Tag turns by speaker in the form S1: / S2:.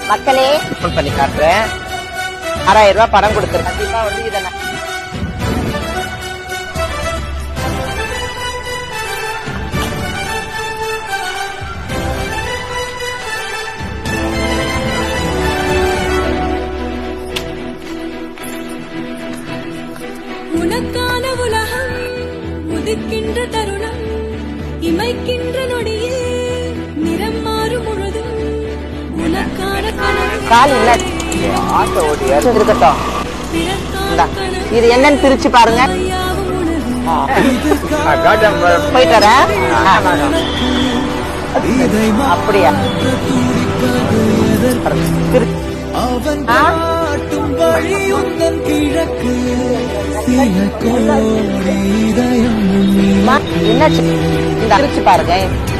S1: மக்களே ஓபன் பண்ணி காட்டுறேன். 6000 ரூபாய் பணம் கொடுத்துரு. கண்டிப்பா வந்து இதை
S2: உனக்கான உலகம் உதிக்கின்ற தருணம் இமைக்கின்ற நொடியில் நிறம் மாறும் முழுதும் உனக்கான
S1: கால் இல்ல ஆட்டோ ஓடி இருக்கட்டும். இது என்னன்னு பிரிச்சு பாருங்க. போயிட்டு வரேன். அப்படியா என்ன பிரிச்சு பாருங்க.